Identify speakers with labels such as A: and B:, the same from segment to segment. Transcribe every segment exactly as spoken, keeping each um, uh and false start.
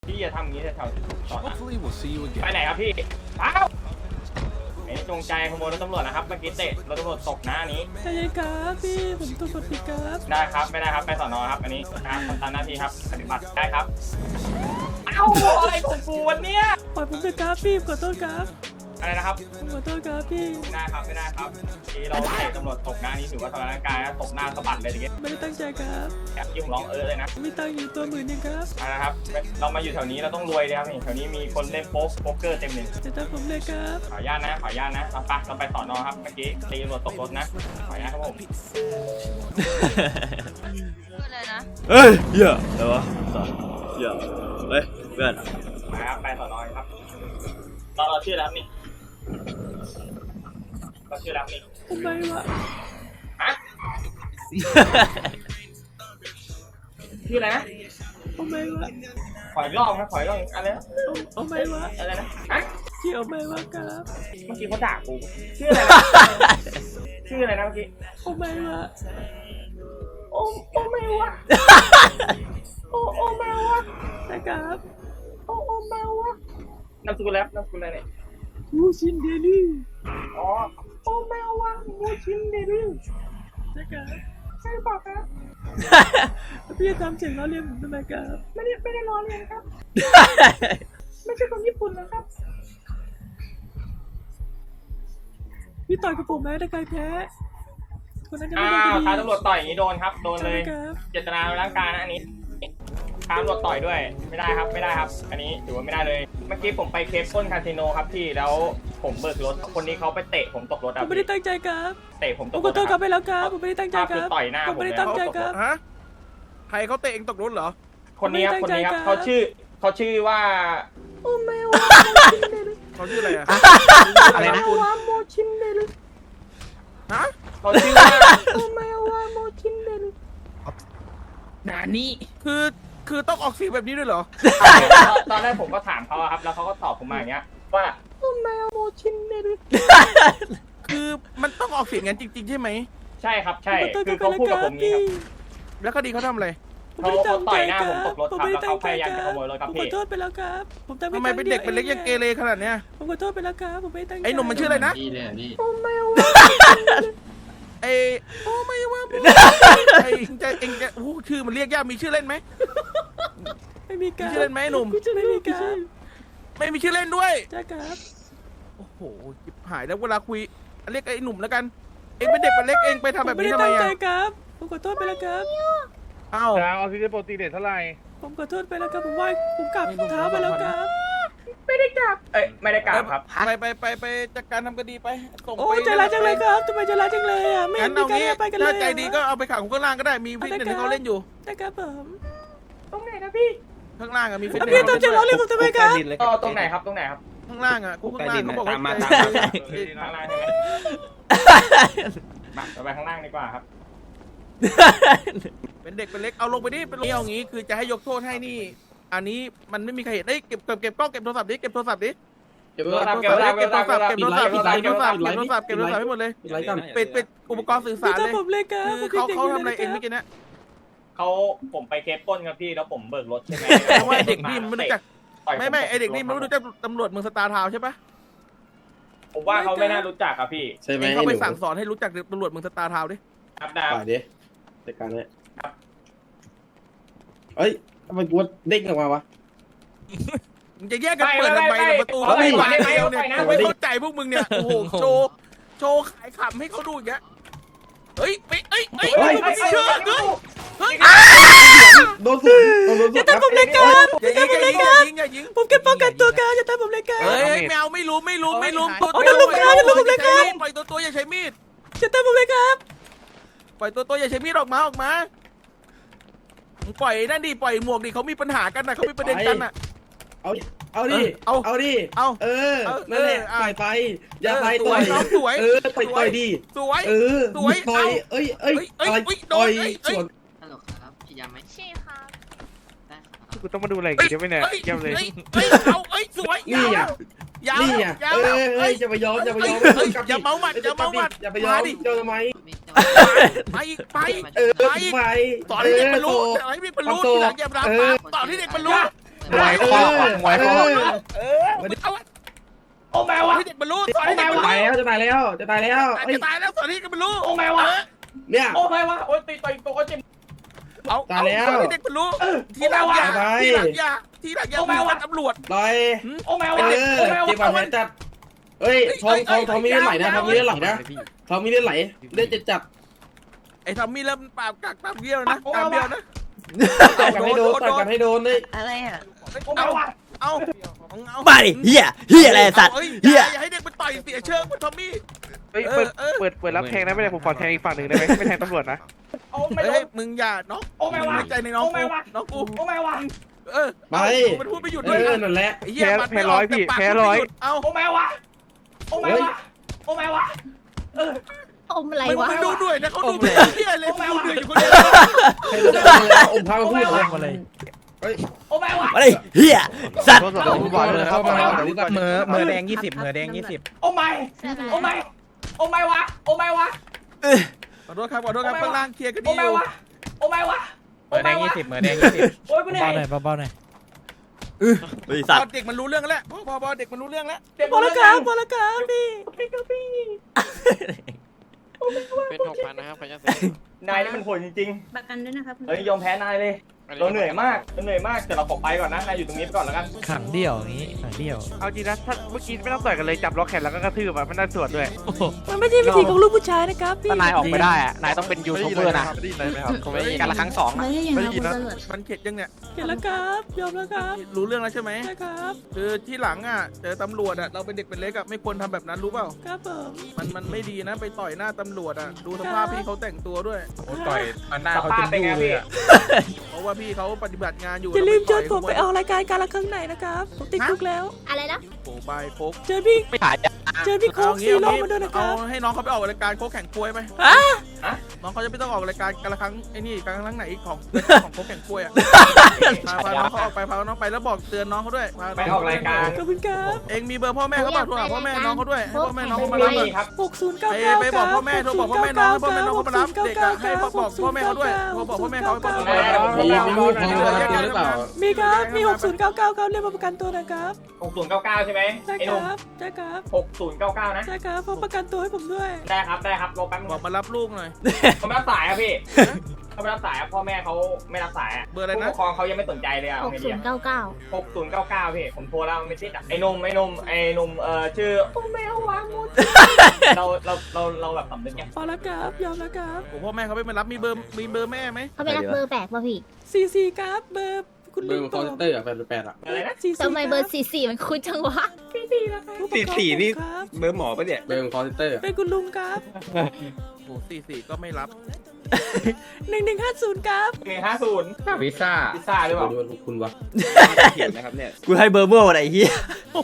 A: พี่จะทำอย่างนี้แถวๆตอนนั้น
B: Hopefully we'll see you
A: ไป
B: again.
A: ไหนครับพี่เอ้าไอ้จงใจขโมยรถตำรวจนะครับเมื่อกี้เตะรถตำรวจตกนะอันนี้
C: ใจเย็นครับพี่ผมตัวกดปิดครับ
A: ได้ครับไม่ได้ครับไปสอนอครับอันนี้การทำตามหน้าที่ครับปฏิบัติได้ครับเอ้าอะไรของกูวันเนี้ย
C: ปล่อยผมเถอะครับพี่ขอโทษครับ
A: อะไรนะครับ
C: ผมขอโทษครับพี่
A: ไม่ได้ครับไม่ได้ครับที่เราเตะตำรวจตกหน้านี้ถือว่าทำร้ายร่างกายนะตกหน้าสะบัดเลยทีเดียว
C: ไม่ได้ตั้งใจครับ
A: แอบยิ่งร้องเออเลยนะ
C: มีตังค์อยู่ตัวหมื่นหนึงครับ
A: เอาละครับเรามาอยู่แถวนี้เราต้องรวยเลยครับนี่แถวนี้มีคนเล่นโป๊กโป๊กเกอร์เต็มเลย
C: จะตามผมเลยครับ
A: ขออนุญาตนะขออนุญาตนะเอาไปเราไปสอนอครับเมื่อกี้ตีตำรวจตกรถนะขออนุญาตครับผม
D: พูดเลยนะ
E: เฮ้ยเหี้ยอะไรวะสัตว์เหี้ยเฮ้ยเพื่อน
A: ไปครับไปสอนอครับตอนเราชื่อแล้วนี่เราชื่อแล้วนี่
C: ทำไมวะ
A: ฮะชื่ออะไรนะ
C: ทำไมวะ
A: ขออีกรอบนะขออีกรอบอะไรนะ
C: ทำไมวะ
A: อะไรนะฮะ
C: เกี่ยวไหมวะครับ
A: เมื่อกี้เขาด่ากูชื่ออะไรนะชื่ออะไรนะเมื่อกี้
C: ทำไมวะ
A: โอ้โอ้ไม่วะโอ้โอ้ไม่วะ
C: นะครับ
A: โอ้โอ้ไม่วะนามสกุลแล้วนามสกุลอะไรเนี่ย
C: มูชินเดลี่
A: อ๋อโอ้แมววะมูชินเดลี่
C: นะครับ
A: ใช่เปล่าครับ
C: พี่จะทำเสียงล้อเลียนผมทำไมครับ
A: ไม่ได้ไม่ได้ล้อเลียนครับ ไม่ใช่คนญี่ปุ่นนะครับ
C: พี่ต่อยกับผมไหมถ้าใครแพ้คนนั้นจะไม่
A: อ้า
C: ได้
A: ว
C: คดี
A: ท้าตำรวจต่อยอย่างนี้โดนครับโดนเลย
C: ใช่ครับ
A: เจตนาในร่างกายนะอันนี้ท้าตำรวจต่อยด้วยไม่ได้ครับไม่ได้ครับ อันนี้ถือว่าไม่ได้เลยเมื่อกี้ผมไปเคปปล้นคาสิโนครับพี่แล้วผมเบิกรถคนนี้เขาไปเตะผมตกรถ
C: ผ
A: อ่ะ
C: มไม่ได้ตั้งใจครับ
A: เตะผม
C: ผ
A: ต
C: ม
A: ก
C: ข
A: ร
C: อ
A: ถ
C: โทษครับไปแล้วครับผมไม่ได้ตั้งใจครับ
A: ต่อยหน้า
C: ผมไม่ได้
A: ผมเลย
C: ตั้งใจครับ
F: ฮะใครเขาเตะเองตกรถเหรอ
A: คนนี้ครับ
C: ผม
A: คน
C: ไม่ได้
A: นี้ครับ
C: ตั้งใจครับ
A: เขาชื่อเขาชื่อว่า
C: โอ้แมว
F: เขาชื่ออะไรอะ
A: อะไรนะคุณ
C: โมชินเดลี่
F: ฮะ
A: เขาชื่อว่า
C: โอ้แมวโมชินเดลี่
F: นานี่คือคือต้องออกเสียงแบบนี้ด้วยเหรอ
A: ตอนแรกผมก็ถามเขาอะครับ แล้วเขาก็ตอบผมมาอย่างเงี้ยว่า
C: โอ้แมวโมชินเดลี่
F: คือมันต้องออกเสียงงั้นจริงๆใช่ไหม
A: ใช่ครับใช่
C: ขอโทษ
A: คือ
C: ครับ
A: เขาพูดกับผมนี้ครับ
F: แล้วคดีเขาทำอะไร
C: ผมไม่ได้ตั้งใจครับ
A: เขาเขาต่อยหน้าผมตกรถครับแล้วเขาพยายามจะขโมยรถครับ
C: ผม
A: พี่
C: ขอโทษไปแล้วครับผมทำ
F: ทำไมเป็นเด็กเป็นเล็กยังเกเรขนาดเนี้ย
C: ผมขอโทษไปแล้วครับผมไม่ตั้งใจ
F: ไอ้หนุ่มมันชื่ออะไรนะ
E: พี่เลยพี่
C: โอ้แมว
F: ไอ้โอ้ไม่ว่าไอ้เองจะเองจะโอ้ชื่อมันเรียกยากมีชื่อเล่นไหม
C: ไม่มีการ
F: มีชื่อเล่นไหมหนุ่ม
C: ไม่มีการ
F: ไม่มีชื่อเล่นด้วย
C: จ้าครับ
F: โอ้โหจิบหายแล้วเวลาคุยเรียกไอ้หนุ่มแล้วกัน เองเป็นเด็กเป็นเล็กเองไปทำแบบนี้ทำไม
C: ผไม่ได้ตั้งใจ
F: อะ
C: ครับผมขอโทษไปแล้วครับ
F: อ้าว
G: แล้วออกซิเจนโปรตีนเรทเท่าไหร่
C: ผมขอโทษไปแล้วครับผมไหว้ผมกลับเท้าไปแล้วครับ
A: ไม่ได้กลับ เอ้ยไม่ได้กลับครับ
F: ไปไปไปไปจัดการทำคดีไปส่ง
C: โอ้
F: ไป
C: ใจร้ายจังเลยครับทำไมใจร้ายจังเลยอ่ะไม่เห็
F: งั้
C: น
F: น
C: มี
F: เอา
C: การ
F: งี้
C: ไปกันเลย
F: ถ้าใจดีก็เอาไปขังข้างล่างก็ได้มีฟิตเนสให้เขาเล่นอยู่
C: นะครับผม
A: ตรงไหนนะพี่
F: ข้างล่างอะมีฟิต
C: แล้ว
F: เนส
C: พี่ต้องจะร้องเรียกผมทำไมครับ
A: อ๋อตรงไหนครับตรงไหนครับ
F: ข้างล่างอะคุกข้างล่างเขาบอกว่า
E: ตามมา
F: ใจ
E: ตามมา
A: ข้างล่างใช่ไหมมาเราไปข้างล่างดีกว่าครับ
F: เป็นเด็กเป็นเล็กเอาลงไปดิเป็นลงเอางี้คือจะให้ยกโทษให้นี่ อันนี้มันไม่มีใครเห็นเอ้ยเก็บเก็บเก็บกล้องเก็บโทรศัพท์ดิเก็บโทรศัพท์ดิ
A: เก็บโทรศัพท์เก็บโทรศัพท์
F: เก็บโทรศัพท์เก็บโทรศัพท์
E: ปิ
F: เก็
E: ด
F: บ
E: ไล
F: โทร
E: ฟ์
F: ศัพท์
E: ปิ
F: เก็บ
E: ด
F: โท
E: ไล
F: ร
E: ฟ์
F: ศัพท์เก็บโทรศัพท์ให้หมดเลย
E: ปิดไลฟ์ก่อน
F: ปิดปิดอุปกรณ์สื่อ
C: พี่
F: สาร
C: ต้อ
F: เลย
C: ผมเลยครับ
F: คือเขาเขาทำอะไรเองเมื่อกี้นะ
A: เขาผมไปเคปปล้นครับพี่แล้วผมเบิกรถใช่ไหม
F: เพราะว่าเด็กนี่มันไม่รู้จัก
A: ต่ยผ
F: ไม่ไม่
A: ต
F: ไอเด็กนี่มันไม่รู้จักตำรวจเมืองสตาร์ทาวน์ใช่ปะ
A: ผมว่าเขาไม่น่ารู้จักครับพี่
E: ใช่ไหม
F: เอง
E: ไอ้
F: เข้า
E: ห
F: ไป
E: นู
F: สั่งสอนให้รู้จักตำรวจเมืองสตาร์ทาวน์ดิ
A: ครับดาว
E: ป่าดิจัดการเลยเอ้ยทำไมกูเด้งออกมาวะ
F: มึงจะแยกกันเปิดทำไมเนี่ยประตู
E: เอา
F: ไม่
E: ดิ
F: ไหวแล้วเนี่ย
A: เอาดิ
F: ไม่เข้าใจพวกมึงเนี่ยโอ้โหโชว์โชว์ขายขำให้เขาดูอย่างเงี้ยเฮ้ยไปเอ้ยเอ้ย
A: เฮ้ย
F: ไม่
A: เฮ้ย
F: เชื่อ
A: เฮ้ย
F: เฮ้ย
E: โดนสุดโดนสุด
C: อย่าทำผมเลยครับ
F: อย่ายิงอย่ายิงอย่ายิงอย่ายิง
C: ผมแค่ป้องกันตัวครับอย่าทำผมเลยครับ
F: เฮ้ยแมวไม่รู้ไม่รู้ไม่รู้
C: เอาเดี๋ยวลุกครับเดี๋ยวลุกผมเลยครับ
F: ปล่อยตัวตัวอย่าใช้มีด
C: อย่าทำผมเลยครับ
F: ปล่อยตัวตัวอย่าใช้มีดออกมาออกมามึงปล่อยนั่นดิปล่อยหมวกดิเขามีปัญหากันนะเขามีประเด็นกันน่ะ
E: เอาเอาดิ
F: เอา
E: เอาดิ
F: เอา
E: เออ
F: เอา
E: นั่นแหละ
F: เออ
E: ต่อยไปอย่าไป
F: เออ
E: ต่อย
F: สวยน้องสวย
E: เออต่อยต่อยดิ
F: สวย
E: เออ
F: สวย
E: ต่อย
F: เอา
E: เอ้ยเอ้ย
F: เอ้ย
E: อะไร
F: เอ้ยโดน
E: ต่อย
F: เอ้ยเอ้ย
E: สวน
H: ฮัลโหลครับพี่ยามไหม
D: ชี่ครับ
H: ได้ครับ
G: กูต้องมาดูอะไรกันเดี๋ยวไม่เนี่ย
F: เอ้ย
G: เยี่ยมเลย
F: เอ้ยเอ้ยเอาเอ้ยสวย
E: นี่
F: ยาว
E: อ่ะ
F: ยาว
E: นี่อ่ะ
F: ยาว
E: เออ
F: เอ้
E: เอ้ย
F: ย
E: อย่าไปยอมอย่าไปยอม
F: เอ้ย
E: กลับดิ
F: อย่าเมาหมัดอย่าเมาหมัด
E: อย่าไปยอม
F: มาดิ
E: เจ้าทำไม
H: ไม่เจ้า
F: ไปอีกไป
E: เออ
F: ไปอีก
E: ไป
F: สอนให้เด็กมันรู้
E: เออ
F: สอนให้เด็กมันรู้
E: โต
F: ทีหลังอย่ารับ
E: เอ
F: มา
E: อ
F: สอนให้เด็กมันรู้
H: เปิด
F: มวยข้อมวยข้อเออเอา
A: โอ้แม่วะ
F: ให้เด็กบรรลุสอนให้เด็กบรรลุ
B: ตายแล้วจะตายแล้วจะตายแล้ว
F: จะตายแล้วสอนให้เด็กบรรลุ
A: โอ้แม่วะ
B: เนี่ย
A: โอ้แม่วะโอ้ยตีต่อยตัวก็เจ็บ
F: เอา
B: ตายแล้ว
F: สอนให้เด็กบรรลุทีหลังอย่า
B: ตาย
F: ทีหลังอย่าทีหลังอย่ามีตำรวจ
B: ลอย
A: โอ้แม่
B: เอ
A: วะ
B: อ
A: โอ้แม่วะ
B: เจ็บปากแผลจัดเอ้ยทองทองทองมีเลือดไหลนะทองมีเลือดไหลนะทองมีเลือดไหลเลือดจะจับ
F: ไอ้ทอมมี่เริ่มปากกักตามเบี้ยวนะตามเบี้ยวนะ
B: ต่อยกันให้โดนต่อยกันให้โดนเลย
H: อะไรอ่ะ
A: โอ้แม่วะ
F: เอาเอา
E: มาดิเฮียเฮียอะไรสัตว์
F: อ้
E: เฮีย
F: อย่าให้เด็กมันต่อยเสียเชิงมันทอมมี่
G: เฮ้ยเปิดเปิดเปิดรับแทงได้ไหมเนี่ยผมขอแทงอีกฝั่งหนึ่งได้ไหมไม่แทงตำรวจนะ
A: โอ้ไม่โด
F: เฮ้ย
A: น
F: มึงอย่าน้อง
A: โอ้แม่วะ
F: มึงใจในน้อง
A: โอ้แม่
F: กู
A: วะ
F: น้องกู
A: โอ้แม่วะ
F: เออ
B: ไป
F: มันพูดไม่หยุด
B: เอ
F: ด้วย
B: อนั่นแหละ
F: ไอ้เหี้ย
G: แพ้
F: มัน
G: แพ้ร้อยพี่
F: แต่ปาก
G: แพ้ร้อย
F: พูดไม่หยุดเอา
A: โอ้แม่วะโอ้แม่วะโอ้แม่วะเออ
D: อมอะไร
F: มึง
D: วะ
F: มึงดูด้วยนะเขาดูเป็นเหี้ยเลยมึงดูเดือดอยู่คนเดียว
B: ให้โดนแล้วอมพามาพูดเลย
E: มาเลย
A: โอ้แม่วะ
E: มาเลยเฮียสัตว์
G: โทษสอบผมบอกเลยเข้ามา
B: เมื่อ
I: มือแดงยี่สิบมือแดงยี่สิบ
A: โอ้ไม่โอ้ไม่โอ้ไม่วะโอ้ไม่วะ
F: ขอโทษครับขอโทษครับข้างล่างเคลียร์กันดี
A: โอ้
F: อ
A: ไม่
F: ยู่
A: วะโอ้ไม่วะ
I: มือแดงยี่สิบมือแดงยี่สิบ
A: โอ้ยกูเหนื่อ
I: เบาย หน่อยเบาๆหน่อย
E: บริษัท
F: พอเด็กมันรู้เรื่องแล้วพอพอพอเด็กมันรู้เรื่องแล้ว
C: พอแล้วครับพอแล้วครับพี่
J: เป็นหกพันนะครับขออนุญาตเซ็น
A: นายนี่มันโหดจริง
D: ประกันด้วยนะครับ
A: ๆเฮ้ยยอมแพ้นายเลยเราเหนื่อยมากเราเหนื่อยมากแต่เราขอไปก่อนนะนายอยู่ตรงนี้ไปก่อนแล้วกัน
I: ขังเดี่ยวอย่างนี้ขังเดี่ยว
G: เอาจริงนะถ้าเมื่อกี้ไม่ต้องต่อยกันเลยจับล็อกแขนแล้วก็กระทืบอ่ะไม่น่าสวดด้วย
C: มันไม่ใช่วิธีของลูกผู้ชายนะครับพี่
I: ถ้านายออกไม่ได้อะนายต้องเป็นยูทูบเบอร์นะ
G: ไม่ได้ยินอะไรไหมครับ
I: ผมไม่ได้การละครั้งสอง
D: ไม่
I: นะ
D: ได้ยัง
G: ไม่
D: ไง
G: ได้ยิ
D: คุ
G: น
D: ณ
G: นะ
D: ตำรวจ
F: มันเข็ดยังเนี่ย
C: เห็นแล้วครับยอมแล้วครับ
F: รู้เรื่องแล้วใช่ไหม
C: ใช่ครับ
F: คือที่หลังอ่ะเจอตำรวจอ่ะเราเป็นเด็กเป็นเล็กอ่ะไม่ควรทำแบบนั้นรู้เปล่า
C: ครับผม
F: มันมันไม่ดีนะไปต่อยหน้าตำรวจอ่ะดูสภาพพี่เขาแต่งตัวด้วย
I: โอ้ต่อยมันหน้า
A: ส
I: เขา
A: ภา
I: จ
A: พ
I: น
A: เป็น
I: ยู
A: ไง
I: เล
A: พี่
I: ยอะ
F: เพราะว่าพี่เขาปฏิบัติงานอยู่
C: อย่าลืมเชิญ
F: แว
C: ผมไปออกรายการการละครั้งไหนนะครับผมติดคุกแล้ว
D: อะไรนะ
F: โอ้บายโค้ก
C: เจอพี่
I: ไม่ถ่าย
C: เจอพี่โค้ก
F: เอา
C: ซี
F: งี้
C: โร่
F: เอางี้
C: มาด้วยนะค
F: เอา
C: รับ
F: ให้น้องเขาไปออกรายการโค้กแข่งกล้วยไหม
C: ฮะ
F: น้องเขาจะไม่ต้องออกรายการกันละครั้งไอ้นี่กันละครั้งไหนของของโค้กแข่งกล้วยอ่ะพาพาน้องเขาออกไปพาน้องไปแล้วบอกเตือนน้องเขาด้วยพา
A: ไปออกรายการ
C: ขอบคุณครับ
F: เองมีเบอร์พ่อแม่เขาบอกโทรหาพ่อแม่น้องเขาด้วยให้พ่อแม่น้องเขามา
A: ไม่
F: รับ
A: มีครับ
C: หกศูนย์เก้า
F: ไป
C: เก้า
F: ไปบอกพ่อแม่โทรบอกพ่อแม่น้องให้พ่อแม่น้องเขามารับเด็กอะให้บอกพ่อแม่เขาด้วยโทรบอกพ่อแม่เขาให้บอกพ่อแม่เขา
B: มีมีลูกพอมาตัวหรือเปล่า
C: มีครับมีหกศูนย์เก้าเก้าครับเรียกมาประกันตัวนะครับ
A: หกศูนย์เก้าเก้าใช่ไหม
C: ใช่
A: ไอ้
C: ค
A: หนุ่ม
C: รับใช่ครับ
A: หกศูนย์เก้าเก้านะ
C: ใช่ครับพอประกันตัวให้ผมด้วย
A: ได้ครับได้ครับรอแป๊บนึง
F: บอกมารับลูกหน่อย
A: เขาไม่รับสายครับพี่เขาไม่รับสายครับพ่อแม่เขาไม่รับสายอะ
F: เบอร์อะไร
A: ผู้
F: นะ
A: ปกครองเขายังไม่สนใจเลยอะ
D: ห
A: เอา
D: ก
A: ไง
D: ศู
A: ดี
D: น
A: อะ
D: ย์เก้าเก้า
A: หกศูนย์เก้าเก้าพี่ผมโทรแล้วไม่ติดอะไอ้หนุ่มไอ้หนุ่มไอ้หนุ่มเอ่อชื่อโอ้แมววางมุดเราเราเราเราแบบสำนึกไง
C: พอแล้วครับยอมแล้วครับ
F: โอ้พ่อแม่เขาไม่มารับมีเบอร์มีเบอร์แม่ไหม
D: เขาไปรับเบอร์แปลกป่ะพี่
C: สี่สี่ครับเบอร์คุณ
B: เบอ
C: ลุ
B: ร์
C: ง
B: ของคอนเตอร์อะแปดแปดอะ
A: อะไรนะ
C: สี่สี่
D: ทำไมเบอร์สี่สี่มันคุ้นจังวะ
C: สี่สี่นะครับสี่สี่นี่ครับ
E: เบอร์หมอปะเนี่ย
B: เบอร์ของคอนเตอร์
C: เป็นคุณลุงครับ
F: โอ้สี่สี่ก็ไม่รับ
C: หนึ่งหนึ่งห้าศูนย์ครับ
A: หนึ่งห้าศูนย์
B: พิซซ่า
A: พิซซ่าหรือเปล่า
B: ดูว่าคุณวะ
E: เขียนนะครับเนี่ยกูให้เบอร์เมื่อวันไหนเฮีย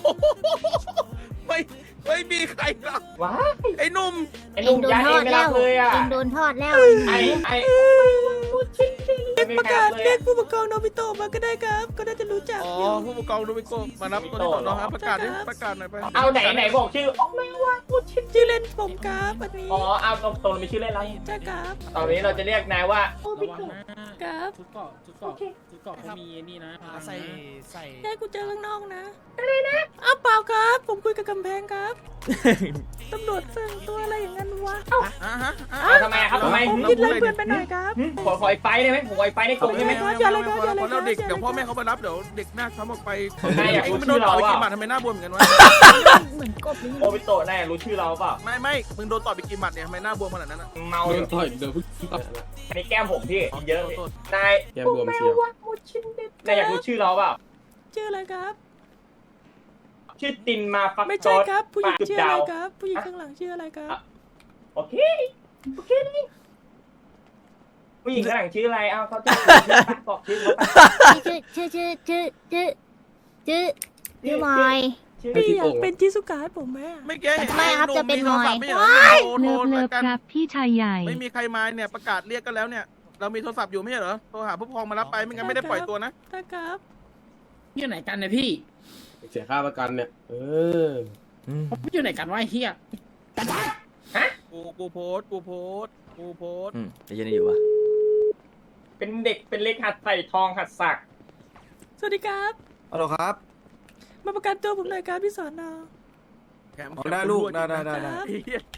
F: ไม่ไม่มีใครรับ
A: ว้า
F: ไอ้หนุ่ม
A: ไอ้ห
D: เอ
A: นุ่
D: ง
A: ม
D: โดน
A: ย้าย
D: ท
A: เอ
D: อง ด
A: ไม่
D: แล้
A: รั
D: ว
A: บเลยอะ
D: เองโดนทอดแล้ว
A: ไอ้ไอ้
C: เรียก
A: ไม่
C: ประ
A: ค
C: กา
A: รั
C: ศ
A: บเลย
C: เรีย
A: อะ
C: กผู้ปกครองโนบิโตะมาก็ได้ครับ ก็น่าจะรู้จัก
F: อ๋อ
C: อยู่
F: ผู้ปกครองโดมิโกมารับตัวนี้ก่อนนะครับประกาศดิประกาศหน่อยไป
A: เอาไหนไหนบอกชื่ออ๋อไม่ว่าพูดชื่อ
C: ชื่อเล่นผมครับอันนี้
A: อ๋อเอาตรงตรงมีชื่อเล่นอะไร
C: ใช่ครับ
A: ตอนนี้เราจะเรียกนายว่า
C: ครับ
I: ชุดเกาะชุดเกาะชุดเกาะเขามีนี่นะใส่ใส่
C: แค่กูเจอข้างนอกนะอะไรนะอ้าวเปล่าครับ ผมคุยกับกำแพงครับตำรวจสั่งตัวอะไรอย่างนั้นวะเอ้า
F: อ่ะฮะ
A: เอาทำไมอะครับทำไม
C: ผมคิดเลยเพื่อนไปหน่อยครับ
A: หึขอขอไอ้ไฟได้ไหมผมขอไอ้ไฟได้กลุ่มได้ไหม
C: ครับอย่าเลยครับอย่าเลยครับ
F: พอแล้วเด็กเดี๋ยวพ่อแม่เขามารับเดี๋ยวเด็กหน้าช้ำออกไป
A: นายอยาก
F: ไอ้
A: รู้
F: ไม่
A: ชื่
F: โด
A: อน
F: ต่
A: เรา
F: อยไป
A: เป
F: กี่
A: ล่า
F: บาททำไมหน้าบวมเหมือนกันวะ
D: เหมือนกบเลย
A: โอบิโตะนายรู้ชื่อเราเปล่า
F: ไม่ไม่มึงโดนต่อยไปกี่หมัดเนี่ยทำไมหน้าบวมขนาดนั้นอะ
A: เมา
B: โด
A: อน ยู่
B: ต่อยเดี๋ยวพึ่ง
A: อันนี้แก้มผมพี่เยอะ
F: โทษ
A: นาย
B: แกบวมเชียว
A: นายอยากรู้ชื่อเราเปล่า
C: ชื่ออะไรครับ
A: ชื่อตินมาฟัก
C: ไม่
A: จ
C: ใช่
A: อด
C: ครับ ผู้หญิง
A: จุด
C: ชื่ออะ
A: ดา
C: ไร
A: ว
C: ครับ ผู้หญิงข้างหลังชื่ออะไรครับ
A: โอเคโอเคนี่ผู้หญิงข้างหลังชื่ออะไรเอาเขาจะบอกชื่อเขาไป
D: ชื่อชื่อชื่อชื่อชื่อชื่อชื่อมอย
A: ชื่อ
C: พี่อยากเป็นจิสุกะให้ผมไหมอะ
F: ไม่แก้เห็น
D: ไม่ครับจะเป็น
F: โทรศัพท์
D: หน่อย
F: ไม่เหรอโทรโทร
K: เลิฟเลิ
F: ราย
K: ฟ
F: การ
K: ครับพี่ชายใหญ่
F: ไม่มีใครมาเนี่ยประกาศเรียกกันแล้วเนี่ย เรามีโทรศัพท์อยู่ไม่ใช่เหรอโทรหาผู้ปกครองมารับไปไม่งั้นไม่ได้ปล่อยตัวนะ
C: ได้ครับ
I: พี่อยู่ไหนกันเนี่ยพี่
B: เสียค่าประกันเนี่ย เออ
I: พี่อยู่ไหนกันวะไอ้เฮีย
F: กูกูโพสต์กูโพสต์กูโพสต์
E: อืมไอ้เหี้ยันอยู่วะ
A: เป็นเด็กเป็นเล็กหัดใส่ทองหัดสัก
C: สวัสดีครับ
K: ฮัลโหลครับ
C: มาประกันตัวผมหน่อยครับพี่สอนอ
F: แถม
K: อ๋อได้ลูกได้ได้ได้ได้
F: ไอ้เหี้ย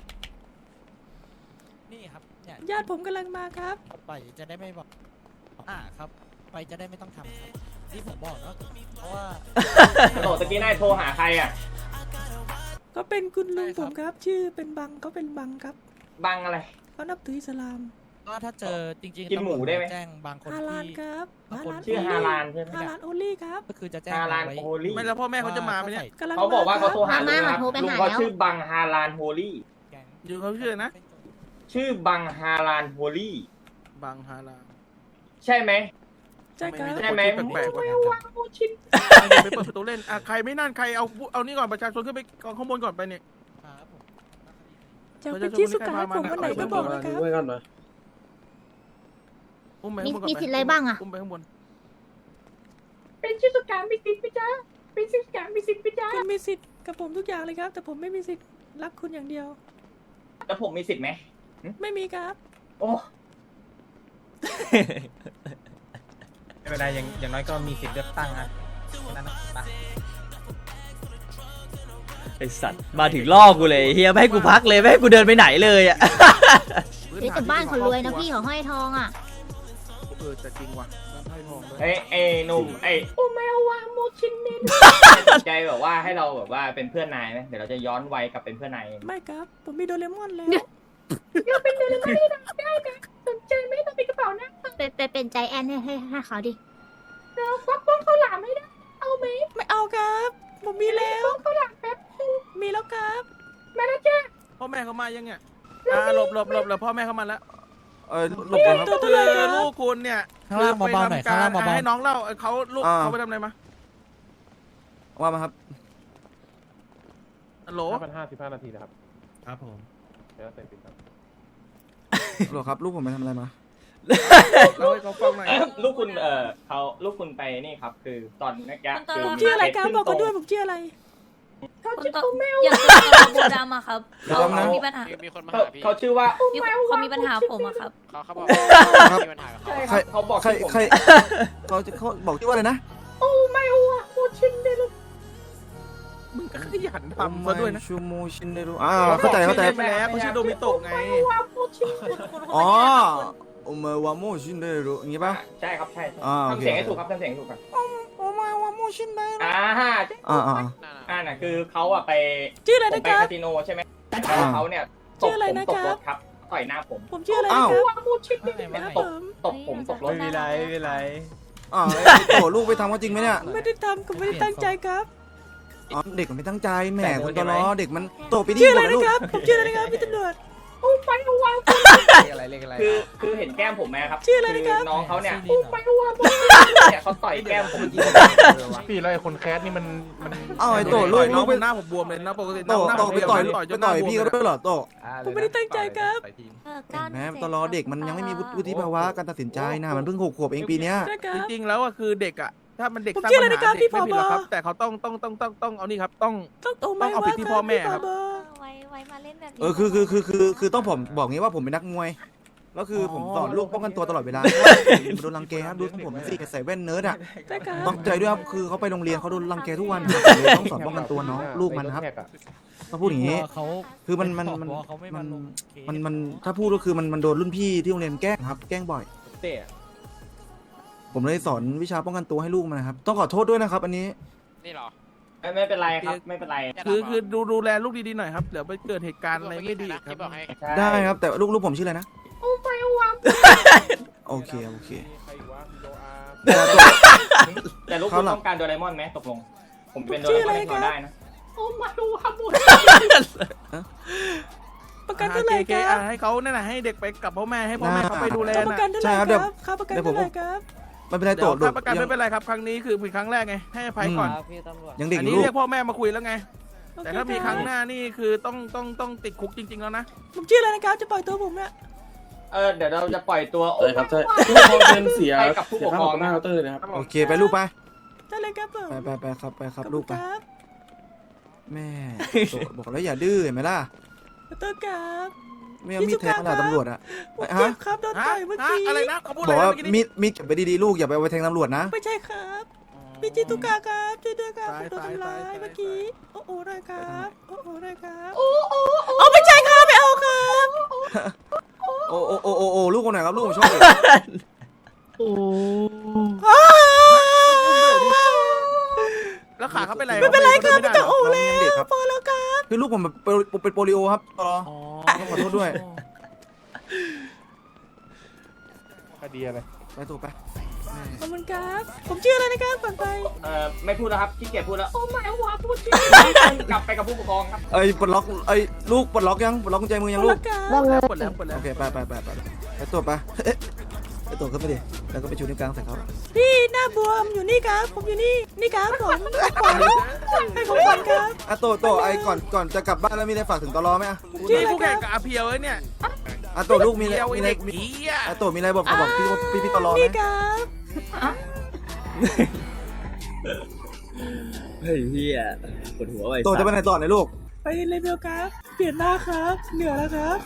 I: นี่ครับเนี่ย
C: ญาติผมกำลังมาครับ
I: ไปจะได้ไม่บอกอ่าครับ ไปจะได้ไม่ต้องทำครับที่ผมบอกเนาะเพราะว่า
A: โตตะกี้นายโทรหาใครอ่ะ
C: ก็เป็นคุณลุงผมครับ ชื่อเป็นบังเขาเป็นบังครับ
A: บังอะไร
C: เขานับถืออิสลาม
I: ก็ถ้าเจอจริงๆ
A: กินหมูได้ไหม
I: แจ้งบางคน
C: ฮาลาล
I: ที่
C: ครับ
I: บางคน
A: ชื่อฮาลานใช่ไหม
C: ฮาลาลโอลี่ครับ
I: ก็คือจะแจ้ง
A: ฮาลาน
I: ไว้
A: โฮลี่
F: ไม่แล้วพ่อแม่เขาจะมาไหมเนี่ย
C: กำลัง
A: เขาบอกว่าเขาโทรหา
D: มา
A: ลุงครับ
D: มาโทรไป
A: ลุง
D: หา
A: เขา
D: แล้ว
A: ชื่อบังฮาลานโฮลี่
I: แก๊ง
F: อยู่เขาชื่ออะไรนะ
A: ชื่อบังฮาลานโฮลี่
F: บางฮารา
A: ใช่ไหม
C: ใช่ครับ
A: ใช่ไหม
F: แปลกๆก่อน
A: วางมูชิน
F: เดี๋ยวไปเปิดประตูเล่นอ่ะใครไม่นั่นใครเอาเอานี่ก่อนประชาชนขึ้นไปกองข้างบนก่อนไปเนี่ย
I: ครับผม
C: จะเป็นที่สุดให้ผมวันไหนก็บอกนะครับ
B: ไว้ก่อนหน่อย
F: อุ้มไปข้างบนก่อน
D: มีสิทธิ์อะไรบ้างอะ
F: อุ้มไปข้างบน
A: เป็นชื่อสุการมีสิทธิ์ไหมจ๊ะเป็นชื่อสุการมีสิทธิ์ไหมจ๊ะ
C: คุณมีสิทธิ์กับผมทุกอย่างเลยครับ แต่ผมไม่มีสิทธิ์รักคุณอย่างเดียว
A: แล้วผมมีสิทธิ์ไหม
C: ไม่มีครับ
A: โอ้
I: ไม่เป็นไรอย่างอย่างน้อยก็มีสิทธิ์เลือกตั้งอ่ะนั่นนะ
E: ไอสัตว์มาถึงล่อกูเลยเฮียไม่ให้กูพักเลยไม่ให้กูเดินไปไหนเลยอ่ะ
D: เฮ้ยแต่บ้านเขารวยนะพี่เขาห้อยทองอ่ะ
F: เออแต่จริงว่ะบ้านไพ่ทองด้วย
A: เอ้ยเอ้ยหนุ่มเอ้ยโอ้แมววางมูชินนี่สนใจแบบว่าให้เราแบบว่าเป็นเพื่อนนายไหมเดี๋ยวเราจะย้อนวัยกลับเป็นเพื่อนนายเอง
C: ไม่ครับ ผมมีโดเรมอนแล้ว
A: เราเป็นเดลิเวอรี่ได้ไหมสนใจไหมต้องมีกระเป๋านะ
D: เป็นเป็นเป็นใจแอนให้ให้ให้เขาดิ
A: เราควักป้องข้าวหลามไม่ได้เอาไหม
C: ไม่เอาครับ ผมมีแล้ว
A: ป้องข้าวหลามแป๊บนึง
C: มีแล้วครับ
A: มาแล้วจ้า
F: พ่อแม่เขามายังเนี่ยอ่าหลบหลบหลบหลบพ่อแม่เขามาแล้ว
K: เออหลบก่อนครับ
C: ตัว
F: คื
C: เท่าไหร่ค
F: อ
C: รับ
F: ลูกคุณเนี่ย
I: ข้างล่างเบาๆหน่อยข้างล่างเบาๆ
F: ให้น้องเล่าเออเขาลูก
K: อ่า
F: เขาไปทำอะไรมา
K: ว่ามาครับ
F: ฮัลโหล
B: ห้าพันห้าสิบห้านาทีนะครับ
I: ครับผม
B: เดี๋ยวเสร็จปิดครับ
K: ฮัลโหลครับลูกผมไปทำอะไรมา
F: เล่าให้เขาฟังหน่อย
A: ลูกคุณเอ่อเขาลูกคุณไปนี่ครับ คือตอนเมื่อกี้คือ
C: ผมชื่ออะไรครับบอกกันด้วยผมชื่ออะไร
A: เขาชื่อโอแมว
L: อยากเป็นโบดามาครับ
K: เดี๋ยว
L: เขา
K: แป๊บนะ
L: มีปัญหา
J: มีคนมา
A: เขา
J: หาพี่
A: เขาชื่อว่า
L: มีเขามีปัญหาผมอะครับ
J: เขาเขาบอก
K: ครับ
J: มีปัญหากับเขา
A: ใช่ค
K: ใคร
A: รับเขาบอก
K: ใคร
A: ที่ผม
K: ใครเขาจะเขาบอกที่ว่าอะไรนะ
A: โอ้แมววางมูชินนี่ลูก
F: มึงก็ขยันทำมาด้วยนะ
K: ชูโมชินเดรุอ่าเข้าใจเข้าใจ
F: ไปแล้วเขาชื่อโดมิโตะไง
A: วางมูชิน
K: อ๋อโอเมวาโมชินเดรุอย่างงี้ป่ะ
A: ใช่ครับใช่ใช่
K: อ่าโอเค
A: ทำเสียงให้ถูกครับทำเสียงให้ถูกครับ
K: โอเมวาโมชินเดรุ
A: อ่า
K: อ่าอ่า
A: อ่าน่ะคือเขาอะไป
C: ชื่ออะไร
A: ผม
C: นะ
A: ไป
C: ครับ
A: คาสิโนใช่ไหมแล้วเขาเนี่ยต
C: ชื่
A: บ
C: ออะไร
A: ผม
C: นะ
A: ต
C: ค
A: ก
C: รับ
A: รถครับต่อยหน้าผม
C: ผมชื่ออะไรนะครับ
A: วางมูชินนี่
I: ไม่
C: ครับ
A: ต
C: ผ
A: บ
C: ม
A: ตบผมตกรถ
L: ไม่เป็นไรไม่เป็นไร
K: อ่าโตลูกไปทำเขาจริงไหมเนี่ย
C: ไม่ได้ทำผมไม่ได้ตั้งใจครับ
K: อ๋อเด็กมันไม่ตั้งใจแหมคุณตลอเด็กมันโตไปดี
C: ชื่อก อะไร
K: ว่า
C: นะ
K: ลูก
C: ครับ ผมชื่ออะไรนะครับพี่ตำรวจ
A: โอ้ไปวาง
I: อะไรเรียกอะไร
A: คือคือเห็นแก้มผมไหมครับ
C: ชื่ออะไรนะครับ
A: น้องเขาเนี่ย
I: ชื่อ
A: ไปวางเนี่ยเขาต่อยแก้มผมจริง
B: พี่แล้วไอ้คนแคสนี่มันมัน
K: เอ้าไอ้โตลู
F: ต่
K: ก
F: อยน้
K: ลู
F: อง
K: กไป
F: หน้าผมบวมเลยนะปกติ
K: โต
F: หน้า
K: โต
F: ผม
K: ไปต่อย
F: ต่อยจ
K: ไป
F: นหน้า
K: ต่อย
F: บวม
K: พี่
F: เล
K: เขาด้วยเหรอโต
C: ผมไม่ได้ตั้งใจครับ
L: เออก้าว
K: แหมตลอเด็กมันยังไม่มีวุฒิภาวะการตัดสินใจนะมันเพิ่งหกขวบเองปีเนี้ย
C: ใช่ครั
F: จ
C: บ
F: ริงๆแล้วอะคือเด็กอะถ้ามันเด็ก
C: ผม
F: สร้าง
C: ชื่อ
F: ปั
C: อะไร
F: ญ
C: นะครั
F: หา
C: บ
F: เด็ก
C: พี่
F: ไม่ผิดหรอกครับ
C: ผบ
F: แต่เขาต้องต้องต้องต้องต้องเอานี่ครับต้อง
C: ต้องโตไหม
F: ต้องเอาผิดที่พ่อแม่ครับ
C: พี่ผ
L: ไว้ไว้มาเล่นแบบนี้
K: เออคือคือคือคือคือต้องผมบอกงี้ว่าผมเป็นนักมวยแล้วคือผมสอนลูกป้องกันตัวตลอดเวลาโดนรังแกครับดูทั้งผมสิใส่แว่นเนิร์ดอ่ะ
C: ใช่ครับ
K: ต้องใจด้วยครับคือเขาไปโรงเรียนเขาโดนรังแกทุกวันเลยต้องสอนป้องกันตัวน้องลูกมันนะครับต้องพูดอย่างนี้
I: เขา
K: คือมันมันมัน
I: เขาไม่
K: มั
I: มาน ลงเคส
K: มันมันถ้าพูดก็คือมันมันโดนรุ่นพี่ที่โรงเรียนแกล้งครับ แกล้งบ่อย
B: เตะ
K: ผมเลยสอนวิชาป้องกันตัวให้ลูกมันนะครับต้องขอโทษด้วยนะครับ อันนี้
J: นี่เหรอ
A: ไม่ไม่เป็นไรครับไม่เป็นไร
F: คือคือดูดูแลลูกดีๆหน่อยครับเดี๋ยวไปเกิดเหตุการณ์อะไรไม่ดีครั
J: ที่
F: บ
J: บอกให้
A: ใช่
K: ได้ครับแต่ลูกลูกผมชื่ออะไรนะ
A: โอ้ไปวาง
K: โอเคโอเค
B: ใครวะโดอา
K: แต่ตัว
A: แต่ลูกคุณต้องการโดเรมอนไหมตกลง ผมเป็นโด
C: ชื่
A: เร
C: อ
A: ม
C: อะ
A: อน
C: ไร
A: ให้
C: ครั
A: เขา
C: บ
A: ได้นะโอ้มาดูครับมู
C: ประกันเท่าไหร่
F: โอเค
C: ครั
F: อ่ะ
C: บ
F: ให้เขาเนี่ยนะให้เด็กไปกับพ่อแม่ให้พ่อแม่เขาไปดูแล
C: ค่าประ
F: นะ
C: กันเท่าไหร่ครับค่าประกันเท่าไหร่ครับ
K: ไม่เป็นไร
F: เดี๋
K: โต
F: ยว
K: โด
F: ค่าประกันไม่เป็นไรครับครั้งนี้คือเป็นครั้งแรกไงให้อภัยก่อน
K: ยังเด็ก
F: อัน
K: อยู่
F: นี้
K: ลูก
F: เรียกพ่อแม่มาคุยแล้วไง
C: โอเค
F: แต่ถ้ามีครั้งหน้านี่คือต้องต้องต้องติดคุกจริงๆแล้วนะ
C: ผมชื่ออะไรนะครับจะปล่อยตัวผมเนี่ย
A: เออเดี๋ยวเราจะปล่อยตัวโอ้
B: ใช่ครับใช่ทุกคนเป็นเสีย
A: ไปกับผู้ปกครอง
B: หน้าเคาน์เตอร์นะครับ
K: โอเคไปลูกไป
C: ได้เลยครับผม
K: ไปไปไปครับไปครับ
C: ขอณ
K: ลูกไป
C: ครับ
K: แม่โตบอกแล้วอย่าดื้อเห็นไหมล่ะ
C: ขอโทษครับ
K: ไม่เอามีดแทงขนาดตำรวจอะ
C: ผม
K: ฮะ
C: เจ็บครับโดน
F: ฮะ
C: ต่อยเมื่อ
F: ฮะ
C: กี้
F: อะไรนะเขาพูดอะ
K: บ
F: ไร
K: อกว่า
F: เมื่อกี้
K: มี
F: นี้
K: ดมีดเก็บไปดีๆลูกอย่าไปเอาไปแทงตำรวจนะ
C: ไม่ใช่ครับ
F: อ๋อ
C: พี่จิตุกะครับช่วยด้วยครับผมโดนทำร้ายเมื่อกี้โอ้โหหน่อยครับโอ้โหหน่อยครับโอ้โอ้โอ้ไม่ใช่ครับไม่เอาครับ
K: โอ้โอ้โอ้โอ้โอ้ลูกคนไหนครับลูกผมชอบเลย
C: อ้าว
F: แล้วขาเขาเป็นไร
C: ไม่เป็นไรครับ
F: ขา
C: ไม่
F: ดิ
C: ต้องโอ้
K: น้อง
C: แล้
K: ยังเด็ก
C: ว
K: ครับ
C: พอแล้วครับ
K: คือลูกผมแบบเป็นเป็นโปลิโอครับตลอต้องขอโทษด้วย
G: คดีอะไร
K: ไปตัวไป
C: ขอบคุณครับผมชื่ออะไรนะครับก่อนไป
A: เอ่อไม่พูดแล้วครับขี้เกียจพูดแล้ว
L: โอ้ไม่ว่าพูดจริง
A: กลับไปกับผู้ปกครองครับ
K: เอ้ยปลดล็อกเอ้ยลูกปลดล็อกยังปลดล็อกกุญแจมือยังลูก
C: ว่าไง
F: ปวดแล้วปวดแล้ว
K: โอเคไปไปไปไปไปตัวไปเอ๊ะไปตัวขึ้นไปดิแล้วก็ไปชูนิ้วกลางใส่เขา
C: พี่หน้าบวมอยู่นี่ครับผมอยู่นี่นี่ครับผมผมให้ผมก่อนครับ
K: อ่ะตัวตัวไอ้ก่อนก่อนจะกลับบ้านแล้วมีอะไรฝากถึงตลอไหมอ่ะ
F: นี่ผู้แข่งกับอาเพียวไอ้เนี่ย
K: อ่ะตัวลูกมีอะไร
F: เพียว
K: มี
F: ไอ้
K: อะไร
F: เด็ก
K: มี
F: ผีอ่ะ
K: อ่ะตัวมีอะไรบอกบอกพี่พี่พี่ตลอไหม
C: นี่ครับ
E: เฮ้ยเฮียปวดหัวไป
K: ตัวจะไปไหนต่อเนี่ยลูก
C: ไปเลเวลครับเปลี่ยนหน้าครับเหนือแล้วครับ